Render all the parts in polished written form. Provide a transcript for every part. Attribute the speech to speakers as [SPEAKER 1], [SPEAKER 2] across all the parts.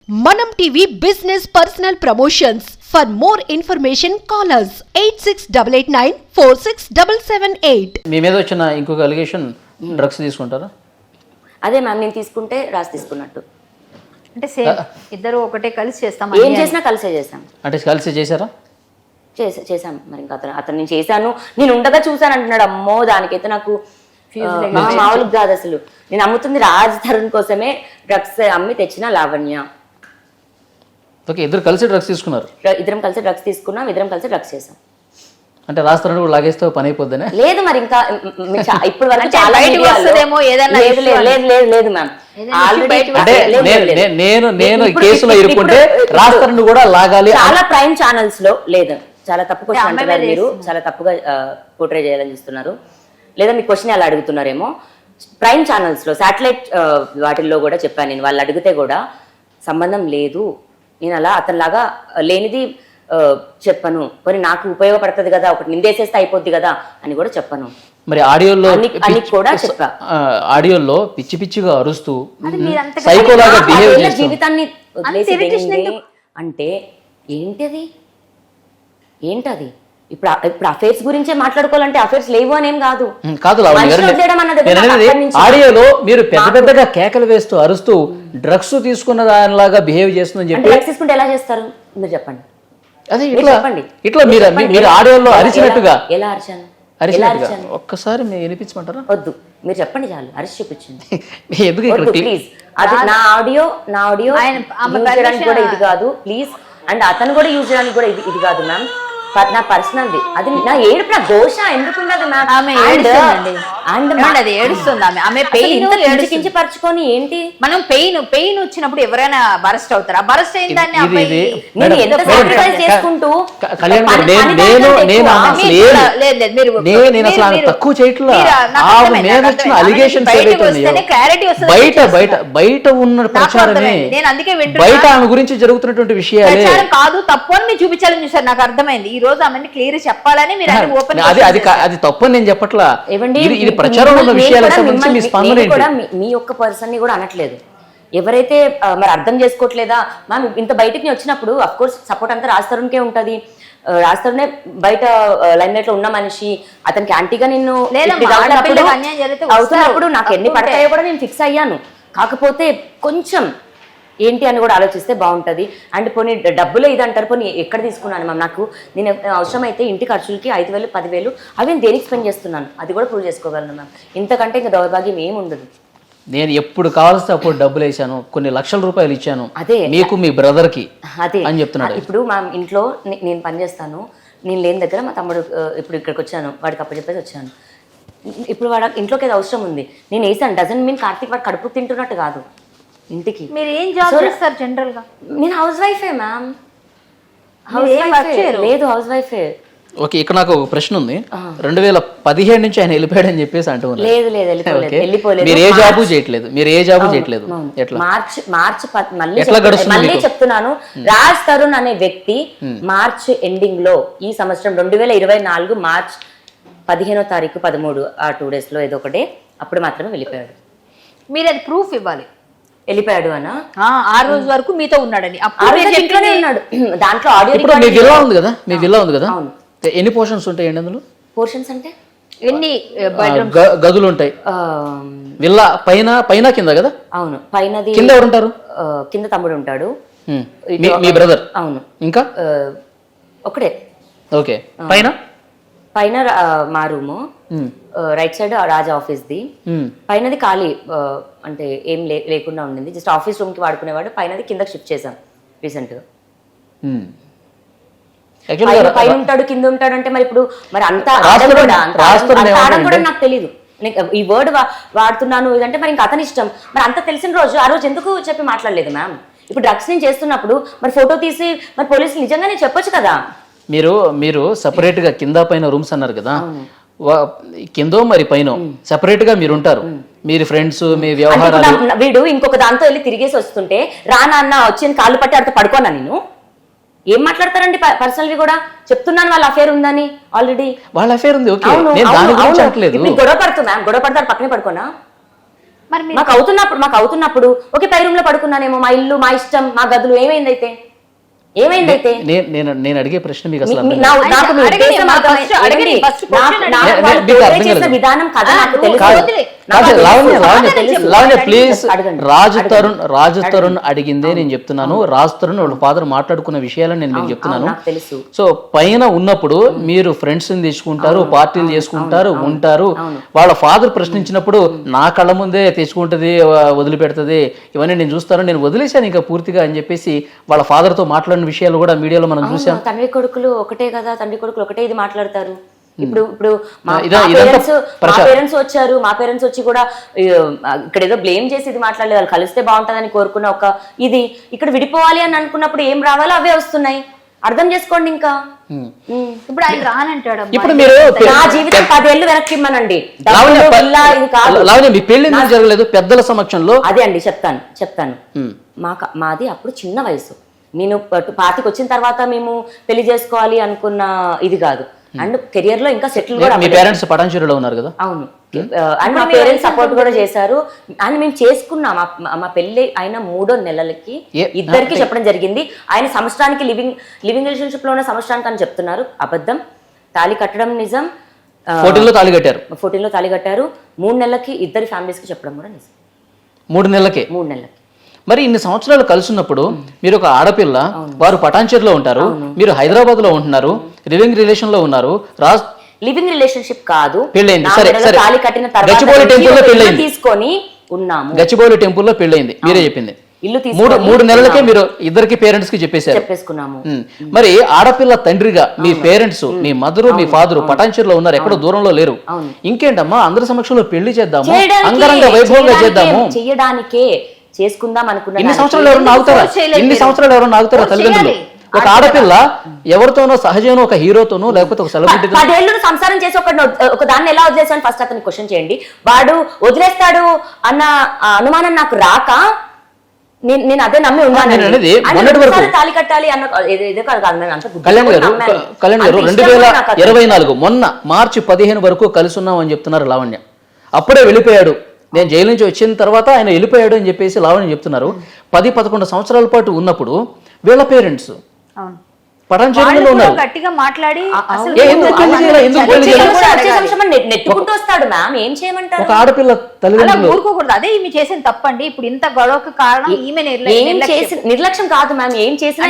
[SPEAKER 1] Manam TV Business Personal Promotions. For more information, call us 8688946778.
[SPEAKER 2] మీ మీద వచ్చిన ఇంకొక allegation drugs తీసుకుంటారా?
[SPEAKER 3] అదే మ్యామ్, నేను తీసుకుంటే రాసి తీసుకున్నట్టు.
[SPEAKER 4] అంటే సేమ్ ఇద్దరు ఒకటే కలిసి చేస్తాం.
[SPEAKER 3] ఏం చేసినా కలిసే చేశాం.
[SPEAKER 2] అంటే కలిసి చేశారా?
[SPEAKER 3] చేశాం. మరి ఇంకా అతను నేను చేశాను, నేను ఉండగా చూశాను అంటున్నాడు. అమ్మో, దానికైతే నాకు మామూలుగా కాదు అసలు. నేను అమ్ముతుంది రాజ్ తరుణ్ కోసమే డ్రగ్స్ అమ్మి తెచ్చిన లావణ్య.
[SPEAKER 2] ఓకే, ఇద్దరు కలిసి డ్రగ్స్ తీసుకున్నారు.
[SPEAKER 3] ఇద్దరం కలిసి డ్రగ్స్ తీసుకున్నాం, ఇద్దరం కలిసి డ్రగ్స్ చేసాం.
[SPEAKER 2] అంటే రాస్తారని కూడా లాగేస్తే పని అయిపోద్దనే?
[SPEAKER 3] లేదు, మరి ఇంకా ఇప్పుడు వరకు చాలా లేదు మ్యామ్.
[SPEAKER 2] నేను కేసులో ఇరుక్కుంటే రాస్తారని కూడా లాగాలి.
[SPEAKER 3] చాలా ప్రైమ్ ఛానల్స్ లో లేదు, చాలా తప్పు క్వశ్చన్ అంటున్నారు మీరు, చాలా తప్పుగా పోర్ట్రే చేయాలని చూస్తున్నారు. లేదా మీ క్వశ్చన్ అలా అడుగుతున్నారేమో. ప్రైమ్ ఛానల్స్ లో శాటిలైట్ వాటిల్లో కూడా చెప్పాను నేను. వాళ్ళు అడిగితే కూడా సంబంధం లేదు, నేను అలా అతనిలాగా లేనిది చెప్పను. కొన్ని నాకు ఉపయోగపడుతుంది కదా, ఒకటి నిందేసేస్తే అయిపోద్ది కదా అని కూడా చెప్పను.
[SPEAKER 2] మరి ఆడియోలో
[SPEAKER 3] అని కూడా చెప్పా.
[SPEAKER 2] ఆడియోలో పిచ్చి పిచ్చిగా అరుస్తూ
[SPEAKER 3] జీవితాన్ని అంటే ఏంటది? ఇప్పుడు అఫైర్స్ గురించే మాట్లాడుకోవాలంటే అఫైర్స్ లేవు అనేం కాదు.
[SPEAKER 2] ఆడియోలో మీరు పెద్ద పెద్దగా కేకలు వేస్తూ అరుస్తూ డ్రగ్స్ తీసుకున్న దానిలాగా బిహేవ్ చేస్తుందని చెప్పి.
[SPEAKER 3] డ్రగ్స్ తీసుకుంటే ఎలా చేస్తారు మీరు చెప్పండి.
[SPEAKER 2] అదే ఇట్లా మీరు ఆడియోలో అరిచినట్టుగా.
[SPEAKER 3] ఎలా అరిచాను?
[SPEAKER 2] ఒక్కసారి మీరు వినిపించమంటారా?
[SPEAKER 3] వద్దు, మీరు చెప్పండి చాలు, అరిచి చూపించండి.
[SPEAKER 2] ఎందుకు
[SPEAKER 3] ప్లీజ్. అది నా ఆడియో కూడా ఇది కాదు ప్లీజ్. అండ్ అతను కూడా యూజ్ చేయడానికి కూడా ఇది కాదు మ్యామ్, నా పర్సనల్ది. అది నా ఏడుపు, నా ఘోష ఎందుకున్నది మ్యామ్? కించపరచుకొని ఏంటి
[SPEAKER 4] మనం పెయిన్ వచ్చినప్పుడు ఎవరైనా బరస్ట్ అవుతారా? బరస్ట్ అయిన దాన్ని
[SPEAKER 3] చేసుకుంటూ
[SPEAKER 2] తక్కువ చేయట్లా. బయట ఉన్న ప్రచారమే, బయట ఆమె గురించి జరుగుతున్నటువంటి విషయాలే
[SPEAKER 4] కాదు, తప్పు అని మీరు చూపించాలని చూసారు. నాకు అర్థమైంది. ఈ రోజు ఆమె క్లియర్ చెప్పాలని మీరు
[SPEAKER 2] అది తప్పని నేను చెప్పట్లా. ఇది ప్రచారం ఉన్న విషయాలకు సంబంధించి మీ స్పందన
[SPEAKER 3] మీ ఒక్క పర్సన్ ని కూడా అనట్లేదు. ఎవరైతే మరి అర్థం చేసుకోవట్లేదా మ్యామ్? ఇంత బయటికి వచ్చినప్పుడు అఫ్ కోర్స్ సపోర్ట్ అంతా రాజ్ తరుణ్కే ఉంటది. రాజ్ తరుణే బయట లైమ్ లైట్ లో ఉన్న మనిషి. అతనికి యాంటీగా నిన్ను అవుతున్నప్పుడు నాకు ఎన్ని పడతాయో కూడా నేను ఫిక్స్ అయ్యాను. కాకపోతే కొంచెం ఏంటి అని కూడా ఆలోచిస్తే బాగుంటుంది. అండ్ పోనీ డబ్బులే ఇది అంటారు, పోనీ ఎక్కడ తీసుకున్నాను మ్యామ్? నాకు నేను అవసరమైతే ఇంటి ఖర్చులకి 5,000 10,000 అవి నేను దేనికి స్పెండ్ చేస్తున్నాను అది కూడా ప్రూవ్ చేసుకోగలను మ్యామ్. ఇంతకంటే ఇంకా దౌర్భాగ్యం ఏమి ఉండదు.
[SPEAKER 2] నేను ఎప్పుడు కావాల్సి అప్పుడు డబ్బులు వేసాను, కొన్ని లక్షల రూపాయలు ఇచ్చాను అదే మీకు మీ బ్రదర్ కి అదే అని చెప్తున్నాడు.
[SPEAKER 3] ఇప్పుడు మా ఇంట్లో నేను పని చేస్తాను, నేను లేని దగ్గర మా తమ్ముడు ఇప్పుడు ఇక్కడికి వచ్చాను, వాడికి అప్పు చెప్పేసి వచ్చాను. ఇప్పుడు వాడు ఇంట్లోకి ఏదో అవసరం ఉంది, నేను వేసాను. డజన్ మీన్ కార్తీక్ వాడు కడుపు తింటున్నట్టు కాదు. ఇంటికి
[SPEAKER 4] మీరు ఏం జాబ్ చేస్తారు జనరల్ గా?
[SPEAKER 3] నేను హౌస్ వైఫే మ్యామ్. లేదు, హౌస్ వైఫే.
[SPEAKER 2] ఓకే, ఇక్కడ నాకు ఒక ప్రశ్న ఉంది. 2017 నుంచి ఆయన వెళ్ళిపోయాడని చెప్పేసి అంటూ ఉన్నారు.
[SPEAKER 3] లేదు,
[SPEAKER 2] మీరు ఏ జాబు చేయట్లేదు, ఎట్లా
[SPEAKER 3] మార్చ్ మళ్ళీ చెప్తున్నాను. రాజ్ తరుణ్ అనే వ్యక్తి మార్చ్ ఎండింగ్ లో ఈ సంవత్సరం 2024 మార్చ్ 15వ తారీఖు 13 ఆ 2 days లో ఏదో ఒకటే అప్పుడు మాత్రమే వెళ్ళిపోయాడు.
[SPEAKER 4] మీరు అది ప్రూఫ్ ఇవ్వాలి.
[SPEAKER 3] వెళ్ళిపోయాడు అన్న
[SPEAKER 4] ఆ రోజు వరకు మీతో ఉన్నాడని.
[SPEAKER 3] ఇంట్లోనే ఉన్నాడు. దాంట్లో ఆడియో
[SPEAKER 2] మీ విల్లా ఉంది కదా, మీ విల్లా ఉంది కదా, ఎన్ని పోర్షన్స్ ఉంటాయండి అందులో?
[SPEAKER 3] పోర్షన్స్ అంటే
[SPEAKER 4] ఎన్ని
[SPEAKER 2] గదులు ఉంటాయి? విల్లా పైన కింద కదా?
[SPEAKER 3] అవును, పైనది.
[SPEAKER 2] కింద ఎవరు ఉంటారు?
[SPEAKER 3] కింద తమ్ముడు ఉంటాడు,
[SPEAKER 2] మీ బ్రదర్.
[SPEAKER 3] అవును,
[SPEAKER 2] ఇంకా ఒకటే. ఓకే, పైన
[SPEAKER 3] మా room, right side Raja office ది. పైనది ఖాళీ, అంటే ఏం లేకుండా ఉండింది, జస్ట్ ఆఫీస్ రూమ్ కి వాడుకునేవాడు. పైనది కిందకి షిఫ్ట్ చేశాం రీసెంట్ గా. పైన ఉంటాడు కింద ఉంటాడు అంటే మరి ఇప్పుడు మరి అంతా కూడా నాకు తెలియదు. ఈ వర్డ్ వాడుతున్నాను ఇదంటే మరి ఇంకా అతని ఇష్టం. మరి అంత తెలిసిన రోజు ఆ రోజు ఎందుకు చెప్పి మాట్లాడలేదు మ్యామ్? ఇప్పుడు డ్రగ్స్ నేను చేస్తున్నప్పుడు మరి ఫోటో తీసి మరి పోలీసులు నిజంగానే చెప్పొచ్చు కదా.
[SPEAKER 2] మీరు సపరేట్ గా కింద పైన రూమ్స్ అన్నారు కదా, కిందో మరి పైన సెపరేట్ గా మీరు ఉంటారు, మీరు ఫ్రెండ్స్, మీ వ్యవహారాలు.
[SPEAKER 3] వీడు ఇంకొక దాంతో వెళ్ళి తిరిగేసి వస్తుంటే రా నాన్న వచ్చి కాళ్ళు పట్టి అడితే పడుకోనా? నేను ఏం మాట్లాడతారండి? పర్సనల్ వి కూడా చెప్తున్నాను, వాళ్ళ అఫేర్ ఉందని. ఆల్రెడీ
[SPEAKER 2] వాళ్ళ అఫేర్ ఉంది.
[SPEAKER 3] గొడవ పడుతుంది మ్యామ్, గొడవ పడతారు పక్కనే పడుకోనా?
[SPEAKER 4] మరి మీరు
[SPEAKER 3] మాకు అవుతున్నప్పుడు ఓకే పై రూమ్ లో పడుకున్నానేమో, మా ఇల్లు మా ఇష్టం మా గదులు, ఏమైందైతే
[SPEAKER 2] నేను అడిగే ప్రశ్న మీకు అసలు
[SPEAKER 3] మీ-
[SPEAKER 2] అర్థం
[SPEAKER 3] నా- నాకు మీ
[SPEAKER 4] అడగండి,
[SPEAKER 3] ఉద్దేశం
[SPEAKER 4] మా
[SPEAKER 3] అర్థమైంది.
[SPEAKER 4] first అడగండి,
[SPEAKER 3] ఏమండి?
[SPEAKER 4] first question
[SPEAKER 3] నాకు
[SPEAKER 4] అడగండి.
[SPEAKER 3] వాళ్ళు
[SPEAKER 2] మీకు
[SPEAKER 3] portray
[SPEAKER 2] అర్థం
[SPEAKER 3] చేసిన
[SPEAKER 2] కాలేదు.
[SPEAKER 3] విధానం కథ నాకు
[SPEAKER 4] నువ్వు
[SPEAKER 3] తెలుసు.
[SPEAKER 4] వదిలే.
[SPEAKER 3] నాకు తెలుసు.
[SPEAKER 2] లావణ్య ప్లీజ్
[SPEAKER 3] అడగండి.
[SPEAKER 2] రాజు తరుణ్ అడిగిందే నేను చెప్తున్నాను. రాజు తరుణ్ వాళ్ళ ఫాదర్ మాట్లాడుకున్న విషయాలను నేను మీకు చెప్తున్నాను.
[SPEAKER 3] నాకు తెలుసు.
[SPEAKER 2] సో పైన ఉన్నప్పుడు మీరు ఫ్రెండ్స్ ని తెచ్చుకుంటారు, పార్టీలు చేసుకుంటారు, ఉంటారు. వాళ్ళ ఫాదర్ ప్రశ్నించినప్పుడు నా కళ్ళ ముందే తెచ్చుకుంటది, వదిలిపెడుతుంది, ఇవన్నీ నేను చూస్తాను, నేను వదిలేశాను ఇంకా పూర్తిగా అని చెప్పేసి వాళ్ళ ఫాదర్ తో మాట్లాడిన విషయాలు కూడా మీడియాలో మనం చూసాం.
[SPEAKER 3] తండ్రి కొడుకులు ఒకటే కదా, తండ్రి కొడుకులు ఒకటే ఇది మాట్లాడతారు. ఇప్పుడు మా
[SPEAKER 2] ఇదంతా
[SPEAKER 3] పేరెంట్స్ వచ్చారు, మా పేరెంట్స్ వచ్చి కూడా ఇక్కడ ఏదో బ్లేమ్ చేసి ఇది మాట్లాడలేదు, వాళ్ళు కలిస్తే బాగుంటుందని కోరుకున్న ఒక ఇది ఇక్కడ విడిపోవాలి అని అనుకున్నప్పుడు ఏం రావాలో అవే వస్తున్నాయి. అర్థం చేసుకోండి. ఇంకా
[SPEAKER 4] ఇప్పుడు ఆయన రానంటాడు.
[SPEAKER 2] ఇప్పుడు మీరు
[SPEAKER 3] నా జీవితం 10 ఏళ్ళు వెనక్కి ఇమ్మనండి.
[SPEAKER 2] లావణ్య మీ పెళ్లి ఎందుకు జరగలేదు పెద్దల సమక్షంలో?
[SPEAKER 3] అదే అండి చెప్తాను. మాది అప్పుడు చిన్న వయసు. నేను 25 వచ్చిన తర్వాత మేము పెళ్లి చేసుకోవాలి అనుకున్న ఇది కాదు. అండ్ కెరియర్ లో ఇంకా సెటిల్ కూడా.
[SPEAKER 2] మీ పేరెంట్స్ పటాన్చెరులో ఉన్నారు కదా?
[SPEAKER 3] అవును. అండ్ మా పేరెంట్స్ సపోర్ట్ కూడా చేశారు. అండ్ మేము చేసుకున్నాం. మా పెళ్లి అయిన 3వ నెలలకి ఇద్దరికి చెప్పడం జరిగింది. ఆయన సంవత్సరానికి లివింగ్ రిలేషన్షిప్ లో ఉన్న సంవత్సరానికి అని చెప్తున్నారు. అబద్ధం. తాళి కట్టడం నిజం.
[SPEAKER 2] 14లో తాళి కట్టారు.
[SPEAKER 3] 14లో తాళి కట్టారు. 3 నెలలకి ఇద్దరి ఫ్యామిలీస్ కి చెప్పడం కూడా నిజం.
[SPEAKER 2] 3 నెలలకే.
[SPEAKER 3] 3 నెలలకి.
[SPEAKER 2] మరి ఇన్ని సంవత్సరాలు కలుసున్నప్పుడు మీరు ఒక ఆడపిల్ల, వారు పటాన్చెరులో ఉంటారు, మీరు హైదరాబాద్ లో ఉంటున్నారు, లివింగ్ రిలేషన్ లో ఉన్నారు.
[SPEAKER 3] లివింగ్ రిలేషన్షిప్ కాదు,
[SPEAKER 2] పెళ్ళైంది. సరే సరే,
[SPEAKER 3] తాళి కట్టిన
[SPEAKER 2] గచ్చిబౌలి టెంపుల్ లో పెళ్ళైంది.
[SPEAKER 3] తీసుకొని ఉన్నాము.
[SPEAKER 2] గచ్చిబౌలి టెంపుల్ లో పెళ్ళైంది, మీరే చెప్పింది.
[SPEAKER 3] ఇల్లు
[SPEAKER 2] 3 నెలలకే మీరు ఇద్దరికి పేరెంట్స్ కి
[SPEAKER 3] చెప్పేసుకున్నాము.
[SPEAKER 2] మరి ఆడపిల్ల తండ్రిగా మీ పేరెంట్స్, మీ మదరు, మీ ఫాదరు పటాన్చెరులో ఉన్నారు, ఎక్కడో దూరంలో లేరు. ఇంకేంటమ్మా అందరి సమక్షంలో పెళ్లి చేద్దాము, అంగరంగ వైభవంగా చేద్దాము.
[SPEAKER 3] చేయడానికే చేసుకుందాం అనుకున్నా.
[SPEAKER 2] ఇన్ని సంవత్సరాలు ఎవరన్నా ఆగుతారా తల్లిదండ్రులు? ఒక ఆడపిల్ల ఎవరితోనో సహజంగా ఒక హీరోతోనో లేకపోతే ఒక సెలబ్రిటీ
[SPEAKER 3] 10 ఏళ్ళు సంసారం చేసి ఒక దాన్ని ఎలా వదిలేసాను ఫస్ట్ అతను క్వశ్చన్ చేయండి. వాడు వదిలేస్తాడు అన్న అనుమానం నాకు రాక నేను అదే నమ్మి ఉన్నాను. తాళి కట్టాలి అన్న
[SPEAKER 2] కళ్యాణ్ గారు 2024 మొన్న మార్చి 15 వరకు కలిసి ఉన్నాం అని చెప్తున్నారు లావణ్య. అప్పుడే వెళ్ళిపోయాడు, నేను జైలు నుంచి వచ్చిన తర్వాత ఆయన వెళ్ళిపోయాడు అని చెప్పేసి లావణ్య చెప్తున్నారు. 10-11 సంవత్సరాల పాటు ఉన్నప్పుడు వీళ్ళ పేరెంట్స్ పటాన్చెరులో ఉన్నారు.
[SPEAKER 4] గట్టిగా మాట్లాడి
[SPEAKER 3] నెట్టుకుంటూ వస్తాడు. మ్యామ్ ఏం చేయమంటారు?
[SPEAKER 2] ఒక ఆడపిల్ల తల్లిదండ్రులు
[SPEAKER 4] ఊరుకోకూడదు. అదే ఈమె చేసిన తప్పండి. ఇప్పుడు ఇంత గొడవకు కారణం ఈమె
[SPEAKER 3] నిర్లక్ష్యం కాదు మ్యామ్. ఏం చేసిన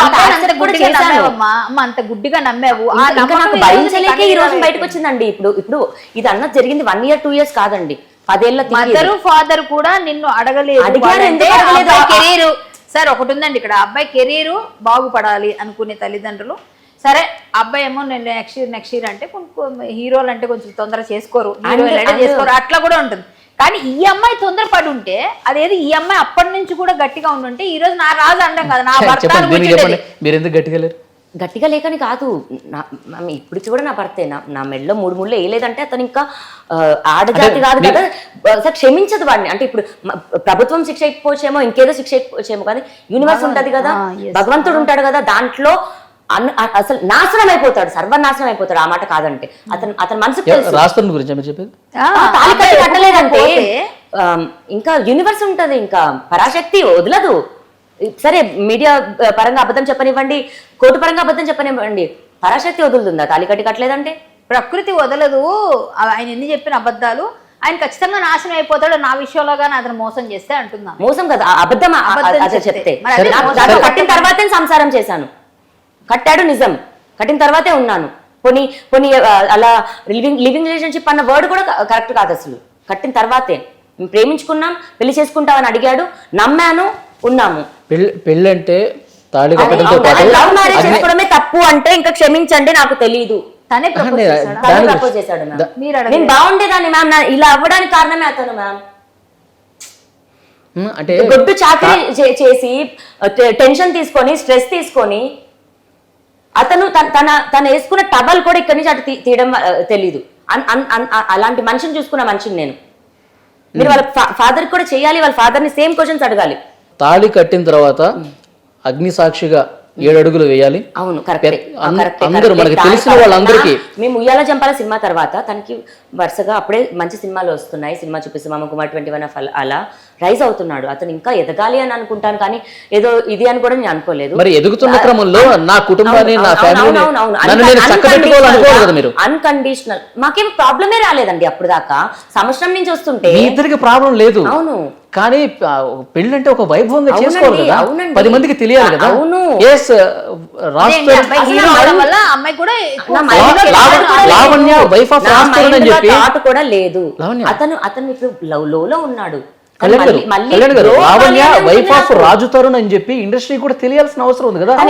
[SPEAKER 4] అంత గుడ్డిగా నమ్మావు.
[SPEAKER 3] నాకు భరించలేక ఈ రోజు బయటకు వచ్చిందండి. ఇప్పుడు ఇది అన్నది జరిగింది 1 year 2 years కాదండి, 10 ఏళ్ళ.
[SPEAKER 4] మదరు ఫాదర్ కూడా నిన్ను అడగలేదు. కెరీర్ సార్ ఒకటి ఉందండి ఇక్కడ. అబ్బాయి కెరీర్ బాగుపడాలి అనుకునే తల్లిదండ్రులు. సరే అబ్బాయి ఏమో నేను నెక్స్ట్ ఇయర్ అంటే హీరోలు అంటే కొంచెం తొందర చేసుకోరు, చేసుకోరు, అట్లా కూడా ఉంటుంది. కానీ ఈ అమ్మాయి తొందరపడి ఉంటే, అదేది ఈ అమ్మాయి అప్పటి నుంచి కూడా గట్టిగా ఉండుంటే ఈ రోజు నా రాజు అండం కదా, నా భర్త.
[SPEAKER 2] మీరు ఎందుకు గట్టిగా లేరు?
[SPEAKER 3] గట్టిగా లేకని కాదు, ఇప్పుడు కూడా నా భర్తే. నా మెడలో 3 ముళ్ళు వేయలేదంటే అతను ఇంకా ఆడజాతి కాదు కదా, సార్ క్షమించదు వాడిని. అంటే ఇప్పుడు ప్రభుత్వం శిక్ష ఇకపోవచ్చేమో, ఇంకేదో శిక్ష ఇకపోవచ్చేమో, కానీ యూనివర్స్ ఉంటది కదా, భగవంతుడు ఉంటాడు కదా, దాంట్లో అసలు నాశనం అయిపోతాడు, సర్వనాశనం అయిపోతాడు. ఆ మాట కాదంటే అతని మనసుకు
[SPEAKER 2] రాష్ట్రం గురించి చెప్పేది.
[SPEAKER 3] తాళి కట్టి కట్టలేదంటే ఇంకా యూనివర్స్ ఉంటది, ఇంకా పరాశక్తి వదలదు. సరే మీడియా పరంగా అబద్ధం చెప్పనివ్వండి, కోర్టు పరంగా అబద్ధం చెప్పనివ్వండి, పరాశక్తి వదులుతుందా తాళి కట్టి కట్టలేదంటే?
[SPEAKER 4] ప్రకృతి వదలదు. ఆయన ఎన్ని చెప్పిన అబద్ధాలు, ఆయన ఖచ్చితంగా నాశనం అయిపోతాడు నా విషయంలో గానీ అతను మోసం చేస్తే అంటున్నా.
[SPEAKER 3] మోసం కదా, అబద్ధం చెప్తే. కట్టిన తర్వాతే సంసారం చేశాను, కట్టాడు నిజం, కట్టిన తర్వాతే ఉన్నాను. పోనీ అలా లివింగ్ రిలేషన్షిప్ అన్న వర్డ్ కూడా కరెక్ట్ కాదు అసలు. కట్టిన తర్వాతే ప్రేమించుకున్నాం, పెళ్లి చేసుకుంటామని అడిగాడు, నమ్మాను, ఉన్నాము.
[SPEAKER 2] పెళ్ళి అంటే తాళి కట్టడంతో పాటు
[SPEAKER 3] లవ్ మ్యారేజ్ చేసుకోవడమే తప్పు అంటే ఇంకా క్షమించండి, నాకు తెలీదు.
[SPEAKER 4] తనే
[SPEAKER 3] ప్రపోజ్ చేశాడు. నేను బాగుండేదాన్ని మ్యామ్, ఇలా అవ్వడానికి కారణమే అతను మ్యామ్.
[SPEAKER 2] అంటే
[SPEAKER 3] గొడ్డు చాకరీ చేసి టెన్షన్ తీసుకొని స్ట్రెస్ తీసుకొని అతను తన వేసుకున్న టవల్ కూడా ఇక్కడి నుంచి అటు తీయడం తెలీదు. అలాంటి మనిషిని చూసుకున్న మనిషిని నేను. మీరు వాళ్ళ ఫాదర్ కూడా చేయాలి, వాళ్ళ ఫాదర్ ని సేమ్ క్వశ్చన్స్ అడగాలి.
[SPEAKER 2] తాళి కట్టిన తర్వాత అగ్ని సాక్షిగా 7 అడుగులు వేయాలి.
[SPEAKER 3] అవును కరెక్టే.
[SPEAKER 2] అందరూ మనకి తెలిసిన వాళ్ళందరికీ
[SPEAKER 3] మేము ఉయ్యాల జంపాల సినిమా తర్వాత తనకి వరుసగా అప్పుడే మంచి సినిమాలు వస్తున్నాయి, సినిమా చూపిస్తే మామ కుమార్ 21 అలా రైజ్ అవుతున్నాడు. అతను ఇంకా ఎదగాలి అని అనుకుంటాను, కానీ ఏదో ఇది అని కూడా నేను అనుకోలేదు.
[SPEAKER 2] మరి ఎదుగుతున్న క్రమంలో నా కుటుంబాన్ని నా ఫ్యామిలీని నన్ను నేను చక్కబెట్టుకోవాలనుకోవాలి కదా మీరు.
[SPEAKER 3] అన్కండిషనల్ మాకేం ప్రాబ్లమే రాలేదండి అప్పుడు దాకా, సంవత్సరం నుంచి వస్తుంటే.
[SPEAKER 2] మీ ఇద్దరికి ప్రాబ్లం లేదు,
[SPEAKER 3] అవును,
[SPEAKER 2] కానీ పెళ్లి అంటే ఒక వైభవంగా చేసుకోవాలి కదా,
[SPEAKER 3] అవునండి.
[SPEAKER 2] 10 మందికి తెలియాలి కదా.
[SPEAKER 3] అవును.
[SPEAKER 2] లావణ్య వైఫ్ ఆఫ్ రాజ్ అని చెప్పి
[SPEAKER 3] కూడా లేదు. అతను ఇప్పుడు లో ఉన్నాడు.
[SPEAKER 2] కళ్యాణ్ గారు, లావణ్య వైఫ్ ఆఫ్ రాజు తరుణ్ అని చెప్పి ఇండస్ట్రీ కూడా తెలియాల్సిన అవసరం ఉంది కదా.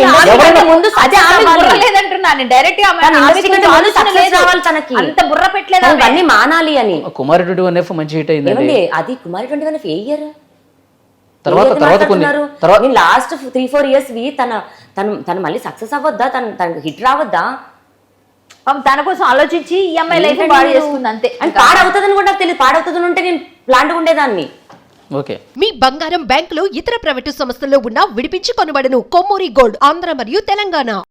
[SPEAKER 3] అన్ని మానాలి అని.
[SPEAKER 2] కుమారి 21 మంచి హిట్ అయింది.
[SPEAKER 3] అది కుమారి 21 ఏ ఇయర్
[SPEAKER 2] తర్వాత కొన్ని
[SPEAKER 3] లాస్ట్ 3-4 ఇయర్స్ తను మళ్ళీ సక్సెస్ అవ్వద్దా, తనకు హిట్ రావద్దా,
[SPEAKER 4] తన కోసం ఆలోచించి ఈ అమ్మాయి లైఫ్ పాడు చేసుకుంది అంతే.
[SPEAKER 3] పాడవుతుందని కూడా నాకు తెలియదు. పాడవుతుంది ఉంటే నేను ప్లాంట్ ఉండేదాన్ని.
[SPEAKER 2] ఓకే.
[SPEAKER 1] మీ బంగారం బ్యాంకులో ఇతర ప్రైవేటు సంస్థల్లో ఉన్న విడిపించి కొనబడను. కొమ్మూరి గోల్డ్, ఆంధ్ర మరియు తెలంగాణ.